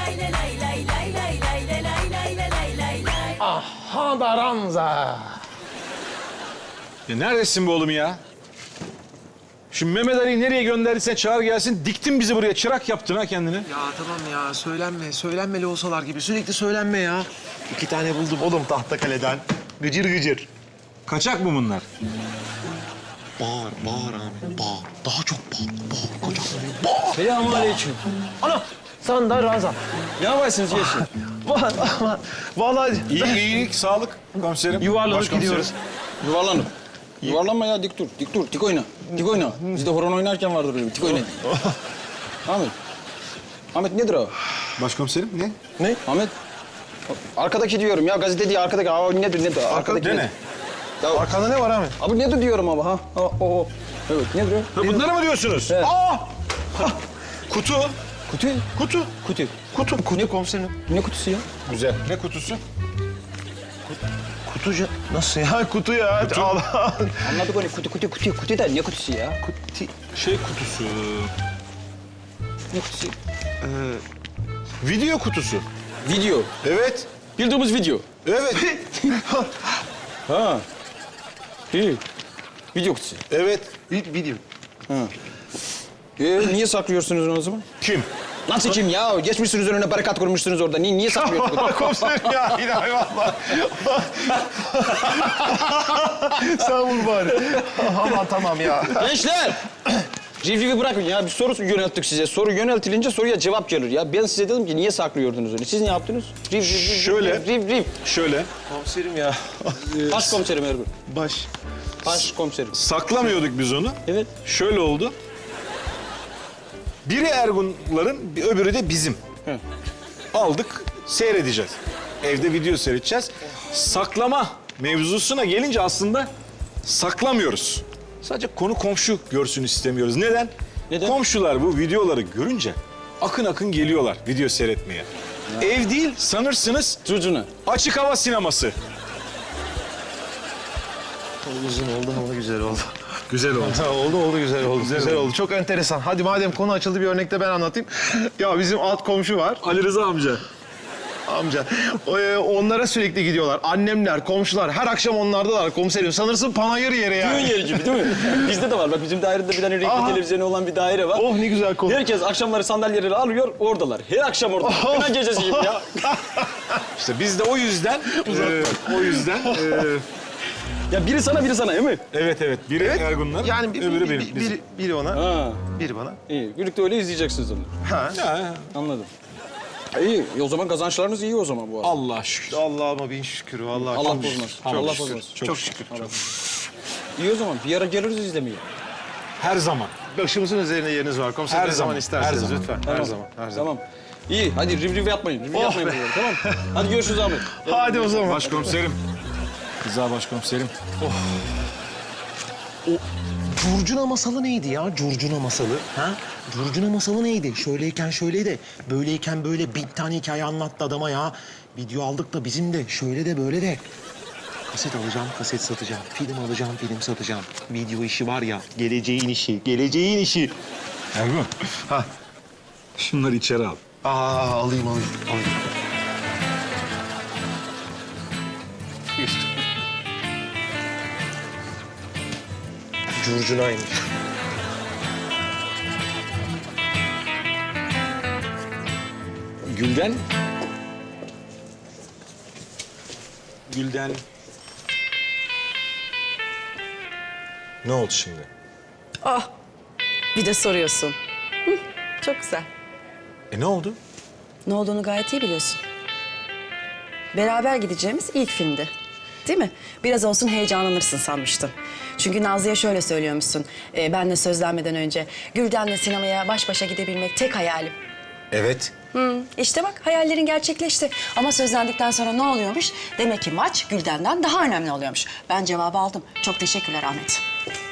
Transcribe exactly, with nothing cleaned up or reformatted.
Aha da Ranza. Ya neredesin be oğlum ya? Şu Mehmet Ali'yi nereye gönderdiysen çağır gelsin. Diktin bizi buraya. Çırak yaptın ha kendini. Ya tamam ya söylenme, söylenmeli olsalar gibi. Sürekli söylenme ya. İki tane buldum oğlum Tahtakale'den. Gıcır gıcır. Kaçak mı bunlar? Bağır, bağır abi, bağır. Daha çok bağır, bağır. Kocaman bağır. Selamünaleyküm. Ana, sen de Ranza. Ne yaparsınız geçin? Vallahi İyi, iyilik, sağlık komiserim. yuvarlanıp Başkomiserim. gidiyoruz. Yuvarlanın. Yuvarlanma ya, dik dur, dik dur, dik oyna. Dik oyna. Bizde horon oynarken vardır öyle bir dik oyna. Ahmet. Ahmet nedir o? Başkomiserim ne? Ne? Ahmet. Arkadaki diyorum ya, gazete diye arkadaki. Aa, nedir, nedir? Arkadaki Ne nedir? ne? Ya, Arkanda ne var abi? abi nedir diyorum ama ha. O, o, o. Evet, nedir o? Ha, bunları mı diyorsunuz? Evet. Aa! Kutu. Kutu. Kutu. Kutu. Kutu, kutu komiserim. Ne kutusu ya? Güzel. Ne kutusu? Kutucu. Nasıl ya? Kutu ya. Kutu. Allah. Anladık onu, kutu, kutu, kutu. Kutu da ne kutusu ya? Kutu. Şey kutusu. Ne kutusu? Video kutusu. Video. Evet. Bildiğimiz video. Evet. Ha. İyi. Video kutusu. evet. Video. Ee, niye saklıyorsunuz onu o zaman? Kim? Nasıl kim ya? Geçmişsiniz önüne barikat kurmuşsunuz orada. Niye, niye saklıyorsunuz? Komiserim ya. İlahi valla. Sen vur bari. Aman tamam ya. Gençler! Rivrivi bırakın ya. Bir soru yönelttik size. Soru yöneltilince soruya cevap gelir ya. Ben size dedim ki niye saklıyordunuz öyle? Siz ne yaptınız? Riv, riv, riv, Şöyle. Riv, riv, riv. Şöyle. Komiserim ya. Başkomiserim Ergun. Baş. Başkomiserim. Saklamıyorduk biz onu. Evet. Şöyle oldu. Biri Ergunların, bir öbürü de bizim. Hı. Aldık, seyredeceğiz. Evde video seyredeceğiz. Saklama mevzusuna gelince aslında saklamıyoruz. Sadece konu komşu görsün istemiyoruz. Neden? Neden? Komşular bu videoları görünce akın akın geliyorlar video seyretmeye. Ev değil sanırsınız Cucuna. açık hava sineması. Uzun oldu ama güzel oldu. Güzel oldu. Ha, oldu oldu güzel oldu. Güzel, oldu. oldu. Çok enteresan. Hadi madem konu açıldı bir örnekte ben anlatayım. Ya bizim alt komşu var. Ali Rıza amca. Amca. O, e, onlara sürekli gidiyorlar. Annemler, komşular her akşam onlardalar komiserim. Sanırsın panayır yeri ya. Düğün yeri gibi değil mi? Bizde de var. Bak bizim dairede bir tane renkli Aha. televizyonu olan bir daire var. Oh ne güzel konu. Herkes akşamları sandalyeleri alıyor, oradalar. Her akşam orada. Oh. Hemen gecesi gibi ya. İşte biz de o yüzden, e, o yüzden, e, Ya biri sana, biri sana değil mi? evet evet, biri Ergunlar, Yani bir, öbürü bir, benim. bir, bizim. biri, biri ona, Ha, biri bana. iyi. Birlikte öyle izleyeceksiniz onu. Ha. Ha, Anladım. İyi, o zaman kazançlarınız iyi o zaman bu arada. Allah şükür. Allah'ıma bin şükür vallahi. Allah çok bozmaz. şükür. Allah Çok bozmaz. şükür. Çok şükür. İyi o zaman. Bir ara geliriz izlemeye. Her zaman. Başımızın üzerine yeriniz var komiserim. Her Ne zaman zaman, isterseniz her zaman. lütfen. Her zaman. Her zaman. Tamam. İyi, hadi riv riv yapmayın. Riv riv Oh yapmayın be. buraları, tamam. Hadi görüşürüz Ahmet. Hadi o zaman. Başkomiserim. Rıza başkomiserim. Curcuna masalı neydi ya? Curcuna masalı. Ha? Curcuna masalı neydi? Şöyleyken şöyleydi. Böyleyken böyle bin tane hikaye anlattı adama ya. Video aldık da bizim de şöyle de böyle de. Kaset alacağım, kaset satacağım. Film alacağım, film satacağım. Video işi var ya, geleceğin işi, geleceğin işi. Ergun. Ha. Şunları içeri al. Aa, alayım, alayım, alayım. Curcunaymış. Gülden. Gülden. Ne oldu şimdi? Ah, bir de soruyorsun. Hı, çok güzel. E ne oldu? Ne olduğunu gayet iyi biliyorsun. Beraber gideceğimiz ilk filmdi. Değil mi? Biraz olsun heyecanlanırsın sanmıştım. Çünkü Nazlı'ya şöyle söylüyormuşsun. E, benle sözlenmeden önce. Gülden'le sinemaya baş başa gidebilmek tek hayalim. Evet. Hı, işte bak hayallerin gerçekleşti. Ama sözlendikten sonra ne oluyormuş? Demek ki maç Gülden'den daha önemli oluyormuş. Ben cevabı aldım. Çok teşekkürler Ahmet.